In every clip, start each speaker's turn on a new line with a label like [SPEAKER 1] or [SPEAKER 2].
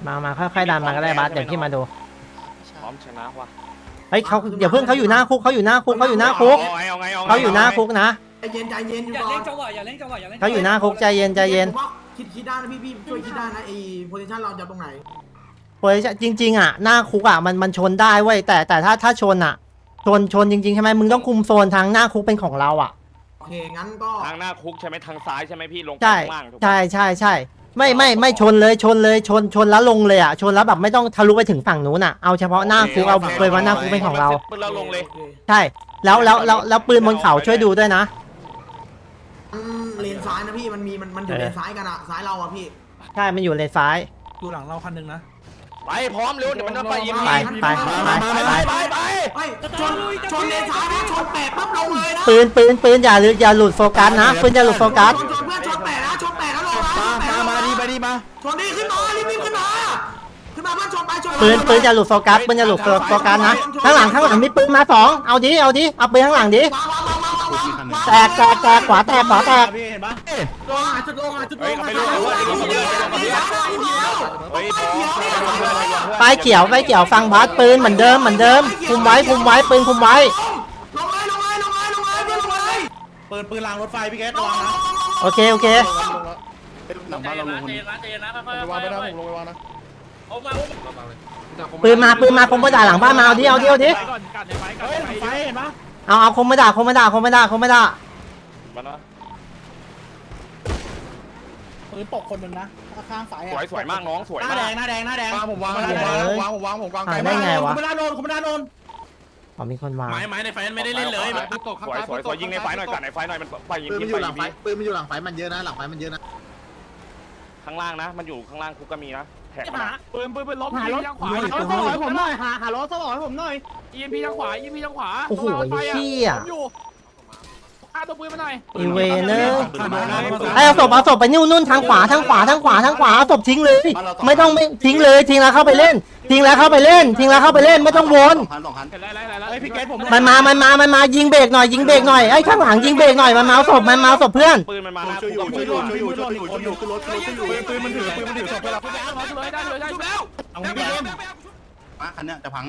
[SPEAKER 1] มาค่อยๆดันมาก็ได้บัสเดี๋ยวพี่มาดู
[SPEAKER 2] พร้อมชนะว่ะ
[SPEAKER 1] เฮ้ยเขาเดี๋ยวเพิ่งเขาอยู่หน้าคุกเขาอยู่หน้าคุกเขาอยู่หน้าคุกเขาอยู่หน้าคุกนะ
[SPEAKER 3] ใจเย็นอยู่
[SPEAKER 4] อย่า
[SPEAKER 3] ก่อ
[SPEAKER 4] เล่
[SPEAKER 3] น
[SPEAKER 4] นจังหวะอย่าเล่นจังหวะอย่าเล่น
[SPEAKER 1] เขาอยู่หน้าคุกใจเย็นใจเย็น
[SPEAKER 3] ผมว่าคิดได้นะพี่ช่วยคิดได้นะไอ้โพซิชั่นเราจะตรงไหน
[SPEAKER 1] โอ้ยจริงๆอ่ะหน้าคุกอ่ะมันชนได้เว้ยแต่ถ้าชนอ่ะชนจริงๆใช่ไหมมึงต้องคุมโซนทางหน้าคุกเป็นของเราอ่ะ
[SPEAKER 3] โอเคงั้นก็
[SPEAKER 2] ทางหน้าคุกใช่ไหมทางซ้ายใช่ไหมพี่ลงไป
[SPEAKER 1] ใช่
[SPEAKER 2] ข้างล่างถูกปะ
[SPEAKER 1] ใช่ไม่ชนเลยชนแล้วลงเลยอ่ะชนแล้วแบบไม่ต้องทะลุไปถึงฝั่งนู้นอ่ะเอาเฉพาะหน้าคุกเอาเลยว่าหน้าคุกเป็นของเรา
[SPEAKER 2] ปืนเราลงเลย
[SPEAKER 3] โอค
[SPEAKER 1] ใช่แล้วปืนบนเขาช่วยดูด้วยนะ
[SPEAKER 3] เลนซ้ายนะพี่มันอยู่เลนซ้ายกันอะซ้ายเราอะพี่
[SPEAKER 1] ใช่มันอยู่เลนซ้าย
[SPEAKER 5] ดูหลังเราคันหนึ่งนะ
[SPEAKER 2] ไปพร้อมเร็วเดี๋ยวมันจะไปยิง
[SPEAKER 1] ไป
[SPEAKER 3] ชนเลนซ้ายนะชนแปดปั๊บลงเลยนะ
[SPEAKER 1] ปืนอย่าหลุดโฟกัสนะปืนอย่าหลุดโฟกัส
[SPEAKER 3] ชนเพื่อนชนแปดนะชนแปดแล้วลงนะ
[SPEAKER 5] มาดีไปดีมา
[SPEAKER 3] ชนดีขึ้นมารีบขึ้นมาเพื่อนชนไปชน
[SPEAKER 1] ปืนอย่าหลุดโฟกัสปืนอย่าหลุดโฟกัสนะข้างหลังมีปืนมา2เอาดิเอาปืนข้างหลังดิแตกขวาแตก
[SPEAKER 5] พี่เห็นปะ
[SPEAKER 3] ลงจุดลง
[SPEAKER 2] เฮ้ยไปลงเฮ้ยพร้อม
[SPEAKER 1] ไฟเขียวฟังบัสปืนเหมือนเดิมคุมไว้ปืนคุมไว้
[SPEAKER 3] ลงเลย
[SPEAKER 5] ปืนรางรถไฟพี่แก๊สระวังนะ
[SPEAKER 1] โอเค
[SPEAKER 5] หลังบ้านเราลงคนนี้
[SPEAKER 4] เจนนะค่อย
[SPEAKER 5] ระวังไปนะผมลงไปวางนะ
[SPEAKER 4] เอามา
[SPEAKER 1] ปืนมาคมมาด่าหลังบ้านมาเอาดิ
[SPEAKER 4] ก่อนกัดในไฟกัด
[SPEAKER 5] เฮ้ย
[SPEAKER 4] ใน
[SPEAKER 5] ไฟ
[SPEAKER 4] ไฟ
[SPEAKER 5] เห็นปะ
[SPEAKER 1] เอาคมมาด่า
[SPEAKER 2] มันนะ
[SPEAKER 5] ปืนตกคนหนึ่งนะข้างสาย
[SPEAKER 2] สวยมากน้องสวย
[SPEAKER 5] หน้าม
[SPEAKER 2] าก
[SPEAKER 5] แดงผมวางผมวาง
[SPEAKER 1] ได้ไงวะ
[SPEAKER 5] คุณไม่ได้โดน
[SPEAKER 1] อ๋อมีคนวาง
[SPEAKER 5] ไม้ในไฟไม่ได้เล่นเลย
[SPEAKER 2] สวยยิงในไฟหน่อยกัดในไฟหน่อยมันไปยิง
[SPEAKER 6] ปืนมันอยู่หลังไฟปืนมันอยู่หลังไฟมันเยอะนะหลังไฟมันเยอะนะ
[SPEAKER 2] ข้างล่างนะมันอยู่ข้างล่างคุกก็มีนะแท็กมา
[SPEAKER 4] ปืนล้มหารถขวา
[SPEAKER 5] ผมหน่อยหารถสลอยผมหน่อย
[SPEAKER 4] EMP ทางขวา EMP ทางขวา
[SPEAKER 1] โอ้โหเชี่ย
[SPEAKER 4] อยู่ฆ่าตัวปืนมาหน่อย
[SPEAKER 1] อีเวเนอร์เอาศพไปนู่นทางขวาเอาศพทิ้งเลยไม่ต้องไม่ทิ้งเลยทิ้งแล้วเข้าไปเล่นไม่ต้องวน
[SPEAKER 4] ไอ้พี่แก๊สผม
[SPEAKER 1] มันมายิงเบรกหน่อยไอ้ข้างหลังยิงเบรกหน่อยมันมาเอาศพเพื่อน
[SPEAKER 2] ปืนมันมาหน้า
[SPEAKER 5] ช่วยอยู่
[SPEAKER 2] คุก
[SPEAKER 5] ปืนมันถือศพไปแล้ว
[SPEAKER 4] ได้เลยแล้ว
[SPEAKER 5] เอาพี่เอ็ม
[SPEAKER 6] มาคันเนี้ยจะพังแน่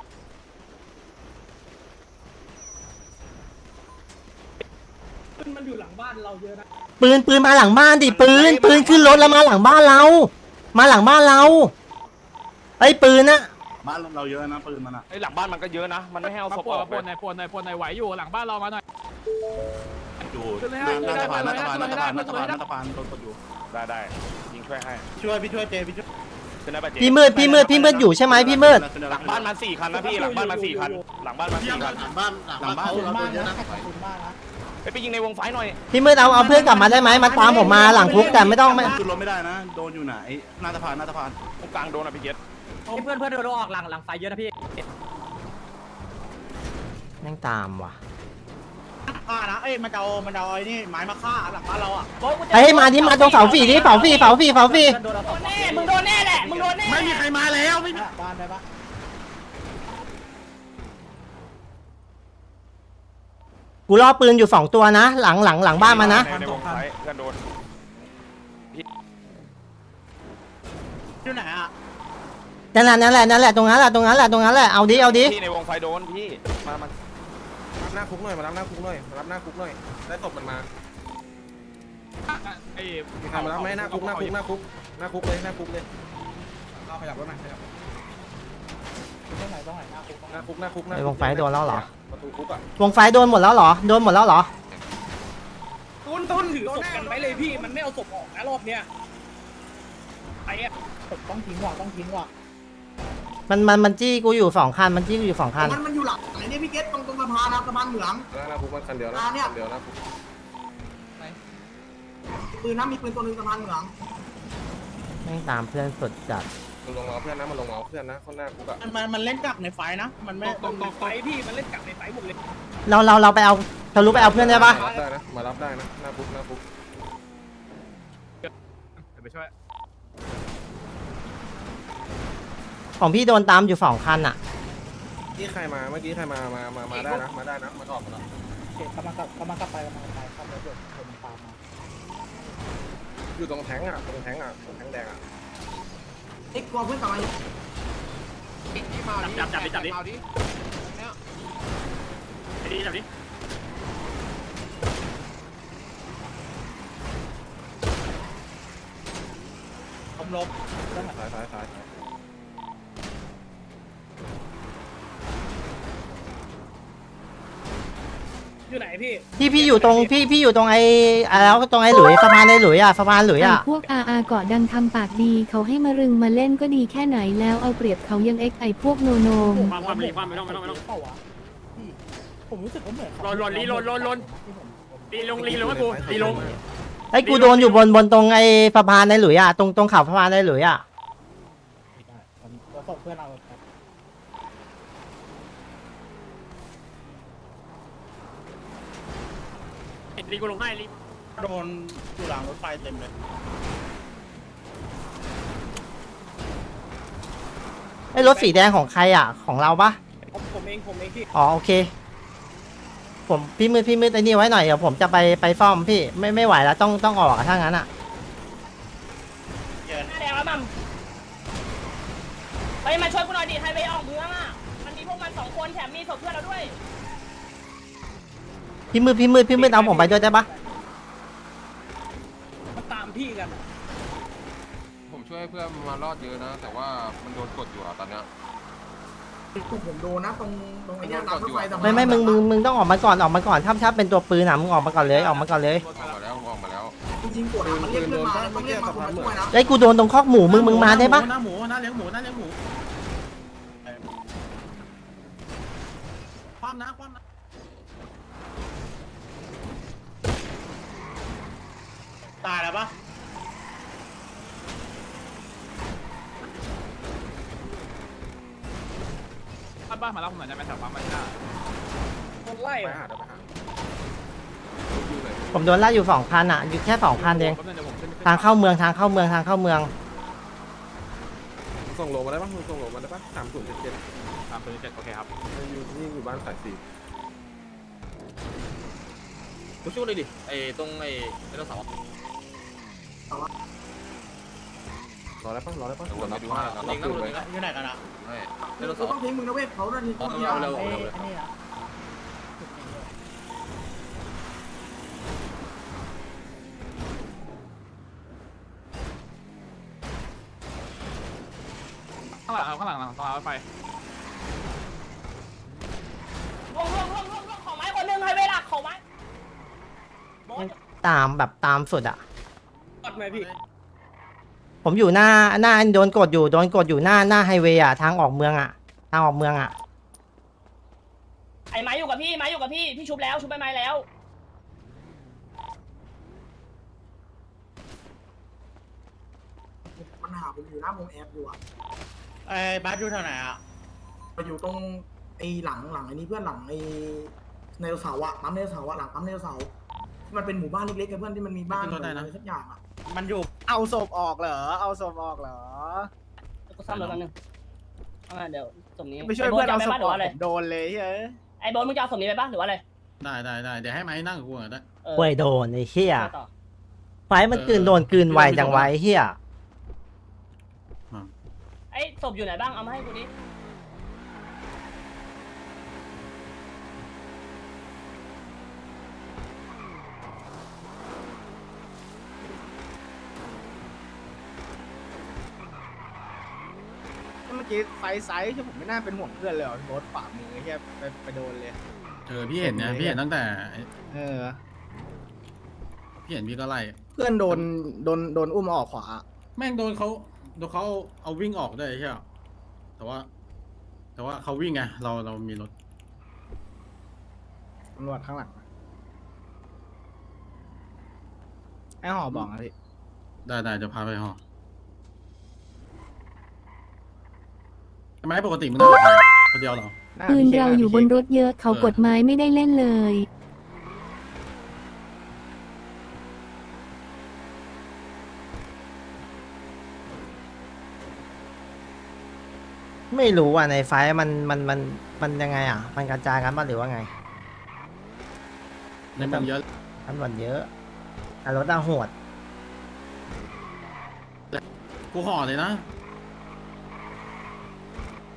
[SPEAKER 4] มันอยู่หลังบ้านเราเยอะนะ
[SPEAKER 1] ปืนมาหลังบ้านดิปืนขึ้นรถแล้วมาหลังบ้านเราไอ้ปืนน่ะ
[SPEAKER 6] บ้านเราเยอะนะปืนมันอ่ะ
[SPEAKER 2] ไอ้หลังบ้านมันก็เยอะนะมันไม่ให้เอาศพ
[SPEAKER 4] ป
[SPEAKER 2] อ
[SPEAKER 4] วด
[SPEAKER 2] อก
[SPEAKER 4] ปวดไหนไหวอยู่หลังบ้านเรามาหน่อย
[SPEAKER 6] อยู่หน้าสะพานตัวอยู่
[SPEAKER 2] ได้ยิงช่วยให้
[SPEAKER 5] ช่วยพี่ช่วยเจพี่ช่วย
[SPEAKER 2] ขึ้นได้ป่ะเจ
[SPEAKER 1] พี่มืดอยู่ใช่ไหมพี่มืด
[SPEAKER 2] หลังบ้านมา4 คันนะพี่หลังบ้านมา4 คันหลังบ้านมา4 คัน
[SPEAKER 6] หลังบ้านเราตัวเยอะนะ
[SPEAKER 2] ไปยิงในวงไฟหน่อย
[SPEAKER 1] พี่มืดเอาเพื่อนกลับมาได้ไหมมาตามผมมาหลังคุกแต่ไม่ต้องไม่
[SPEAKER 6] ขึ้นรถไม่ได้นะโดนอยู่ไหนหน้าสะพาน
[SPEAKER 2] ตรงกลางโดนอ่ะพี่เจษ
[SPEAKER 4] เพื่อนโดนออกหลังไฟเยอะนะพี่
[SPEAKER 1] แม่งตามว่ะ
[SPEAKER 5] ฆ่านะเอ้ยมันจะเอาไอ้นี่ไม้มาฆ่าหลังบ้านเราอ่ะ
[SPEAKER 1] ไอ้มาตรงเสาฝีดิเสาฝี
[SPEAKER 4] มึงโดนแน่แหละมึงโดนแน่
[SPEAKER 5] ไม่มีใครมาแล้วไม่มีบ้านได้ปะ
[SPEAKER 1] กูล่อปืนอยู่2ตัวนะหลังบ้านมานะ
[SPEAKER 2] ในวงไฟเพื่อนโดน
[SPEAKER 5] อยู่ไหนอ่ะ
[SPEAKER 1] นั่นแหละตรงนั้นแหละเอาดิ
[SPEAKER 2] พี่ในวงไฟโดนพี่มา
[SPEAKER 5] รับหน้าคุกหน่อยมารับหน้าคุกหน่อยได้ศพมันมา
[SPEAKER 4] ไอ้
[SPEAKER 5] มีใครมารับไหมหน้าคุกเลยเราขยับรถหน่อยขยับตรงไหนหน้าคุก
[SPEAKER 1] ในวงไฟโดนแล้วเหรอ
[SPEAKER 5] ประตูคุกอ่ะ
[SPEAKER 1] วงไฟโดนหมดแล้วเหรอ
[SPEAKER 4] ต้นถือศพกันไว้เลยพี่มันไม่เอาศพออกนะรอบเนี้ยไอ้อะ
[SPEAKER 5] ต้องทิ้งว่ะ
[SPEAKER 1] มันจี้กูอยู่2 คันมันอยู่2 คัน
[SPEAKER 3] มันอยู่หลังไหนเนี่ยพี่เกตตรงสะพานสะพานเหมือง
[SPEAKER 5] หน้าคุกมันคันเดียวนะคุก
[SPEAKER 3] ปืนนะมีปืนตัวนึงสะพานเหมือง
[SPEAKER 1] แม่งตามเพื่อนสุดจัด
[SPEAKER 5] มันลงมาเพื่อนนะคนหน้าคุกอ่ะมันเล่นกักในไฟนะมันไม่
[SPEAKER 4] ตรงไฟพี่มันเล่นกลับในไฟหมดเลย
[SPEAKER 1] เราไปเอาทะลุไปเอาเพื่อนได้ปะ
[SPEAKER 5] มารับได้นะหน้าคุก
[SPEAKER 4] ไปช่วย
[SPEAKER 1] ของพี่โดนตามอยู่2 คันอ่ะ
[SPEAKER 5] เมื่อกี้ใครมาได้นะมันออกมาแล้วกำลังกลับไปขับรถยนต์คนตามมาอยู่ตรงแทงอ่ะตรงแทงแดงอ่ะ
[SPEAKER 3] เอ็กกลัวเพื่อนกลับมา
[SPEAKER 4] จับดิจับดิผมลบ
[SPEAKER 5] สาย
[SPEAKER 4] อยู่ไหนพี่
[SPEAKER 1] พี่อยู่ตรงพี่อยู่ตรงไอ้แล้วตรงไอ้หลุยสะพานไอ้หลุยอ่ะสะพานหลุยอ่ะ
[SPEAKER 7] พวกอาเกาะดังทำปากดีเขาให้มารึงมาเล่นก็ดีแค่ไหนแล้วเอาเปรียบเขายังไอ้พวกโนโนม
[SPEAKER 4] ความไม่ต้องผมรู้สึกว่าเหมือนลนลีลนลีลงให้กูลีลง
[SPEAKER 1] ไอ้กูโดนอยู่บนตรงไอ้สะพานไอ้หลุยอ่ะตรงเขาสะพานไอ้หลุยอ่ะ
[SPEAKER 4] ส่งเพื่อนเอาลีกูลงให้ลีโดนอยู่หลังรถไฟเต็มเลย
[SPEAKER 1] ไอ้รถสีแดงของใครอ่ะของเราปะ
[SPEAKER 4] ผมเองพี่
[SPEAKER 1] อ๋อโอเคผมพี่มืดไอ้นี่ไว้หน่อยเดี๋ยวผมจะไปซ่อมพี่ไม่ไหวแล้วต้องออกอะถ้างั้นอ่ะ
[SPEAKER 4] เยิน
[SPEAKER 8] แดงแล้วมั่มไปมาช่วยกูหน่อยดิไฮเวย์ออกเมืองอ่ะ มันมีพวกมัน2 คนแถมมีศพเพื่อนเราด้วย
[SPEAKER 1] พี่มืดเอาผมไปด้วยได้ปะ
[SPEAKER 4] มันตามพี่กัน
[SPEAKER 9] ผมช่วยเพื่อนมารอดเยอะนะ แต่ว่ามันโดนกดอยู่อะตอนเนี้ย
[SPEAKER 3] ผมโดนนะตรงไอ้เนี่ยรางรถไฟสะพาน
[SPEAKER 1] ไม่มึงต้องออกมาก่อนถ้าเป็นตัวปืนอ่ะมึงออกมาก่อนเลย
[SPEAKER 9] ออกมาแล้ว
[SPEAKER 3] จริงๆกดมันเรียกเพื่อนมาต้องเรียกมาคนมาช่วยนะ
[SPEAKER 1] ไอ้กูโดนตรงคอกหมูมึงมาได้ปะ
[SPEAKER 6] หน้าหมูหน้าเลี้ยงหมูความนะ
[SPEAKER 4] ตายแล้วปะ
[SPEAKER 2] บ้านมาแล้วผมหน่อยได้ไหมแถวปั๊มมาหน้า
[SPEAKER 4] คนไล่
[SPEAKER 5] ไปหา
[SPEAKER 1] ผมโดนไล่อยู่2,000อ่ะอยู่แค่2,000เองทางเข้าเมือง
[SPEAKER 5] ส่งโลมาได้ปะส่งโลมาได้ปะ3077
[SPEAKER 2] 307โอเคครับ
[SPEAKER 5] อยู่บ้านสาย4
[SPEAKER 6] กูช่วยเลยดิไอ้ตรงไอ้ไดโนเสาร์
[SPEAKER 5] รอได้ปะ
[SPEAKER 9] เดี๋ยววนไปดูให้นะ
[SPEAKER 6] เองนะเลยนะ
[SPEAKER 4] อยู่ไหนกันอ่ะ
[SPEAKER 9] ให้
[SPEAKER 6] ไดโนเสา
[SPEAKER 3] กู
[SPEAKER 6] ร์
[SPEAKER 3] ต้องทิ้งมึงนะเว้ยเขาโดนที
[SPEAKER 6] เร็ว
[SPEAKER 2] ข้างหลังตรงรถไฟ
[SPEAKER 8] ลงของไม้คนหนึ่งไฮเวย์หลักของไม้
[SPEAKER 1] ตามสุดอ่ะ
[SPEAKER 4] กดไหมพี่
[SPEAKER 1] ผมอยู่หน้าโดนกดอยู่หน้าไฮเวย์อ่ะทางออกเมืองอ่ะ
[SPEAKER 8] ไอ้ไม้อยู่กับพี่พี่ชุบแล้วชุบไปไม้แล้ว
[SPEAKER 3] มันหาผมอยู่หน้าวงแอปอยู่อ่ะ
[SPEAKER 4] ไอ้บัสอยู่แถวไหนอ่ะ
[SPEAKER 3] ไปอยู่ตรงไอ้หลังไอ้นี่เพื่อนหลังไอ้ไดโนเสาร์อะปั๊มไดโนเสาร์อะหลังปั๊มไดโนเสาร์ที่มันเป็นหมู่บ้านเล็กๆกับเพื่อนที่มันมีบ้านอะไรสักอย่างอะ
[SPEAKER 4] มันอยู่เอาศพออกเหรอ
[SPEAKER 8] กูซ่อมรถแป๊บนึงเดี๋ยวสมนี้
[SPEAKER 4] ไม่ช่วยเพื่อนเอาศพ
[SPEAKER 8] หรือ
[SPEAKER 4] ออก
[SPEAKER 8] ว่าอะไร
[SPEAKER 4] โดนเลยเฮ้ย
[SPEAKER 8] ไอ้โบนมึงจะเอาสมนี้ไปปะหรือว่าอะไร
[SPEAKER 6] ได้เดี๋ยวให้ไม้นั่งกับกูก่อนได้
[SPEAKER 1] เว้ยโดนไอ้เหี้ย
[SPEAKER 8] ต่อ
[SPEAKER 1] ไฟมันโดนกลืนไวจังไวเหี้ย
[SPEAKER 8] ไอ้ศพอยู่ไหนบ้างเอามาให้กูดิ
[SPEAKER 4] เมื่อกี้ไฟไซส์ที่ผมไม่น่าเป็นห่วงเพื่อนเลยรถฝ่ามือเฮียไปโดนเลย
[SPEAKER 6] พี่เห็นเนี่ยพี่เห็นตั้งแต่
[SPEAKER 4] อ
[SPEAKER 6] พี่เห็นพี่ก็ไล่
[SPEAKER 4] เพื่อนโดนอุ้มออกขวา
[SPEAKER 6] แม่งโดนเขาเอาวิ่งออกได้ใช่ไหมแต่ว่าเขาวิ่งไงเรามีรถ
[SPEAKER 4] ตำรวจข้างหลังไอ้หอบอกนะพี่
[SPEAKER 6] ได้จะพาไปหอทำไมปกติมึงนั่งกับใครคนเดียวเหรอ
[SPEAKER 7] ปืนเราอยู่บนรถเยอะเขากดไม้ไม่ได้เล่นเลย
[SPEAKER 1] ไม่รู้อ่ะในไฟมันยังไงอ่ะมันกระจายกันป่ะหรือว่าไง
[SPEAKER 6] ในเมืองเยอะ
[SPEAKER 1] ตำรวจเยอะแต่รถโหด
[SPEAKER 6] กูห่อเลยนะ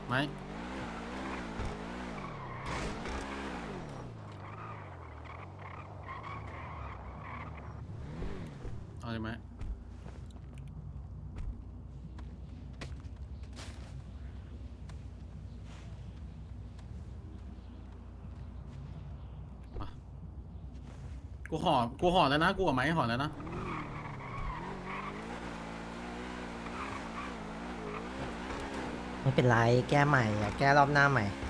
[SPEAKER 6] ไหมเอาเลยไหมกูห่อแล้วนะกูเอาไหมห่อแล้วนะ
[SPEAKER 1] ไม่เป็นไรแก้ใหม่แก้รอบหน้าใหม่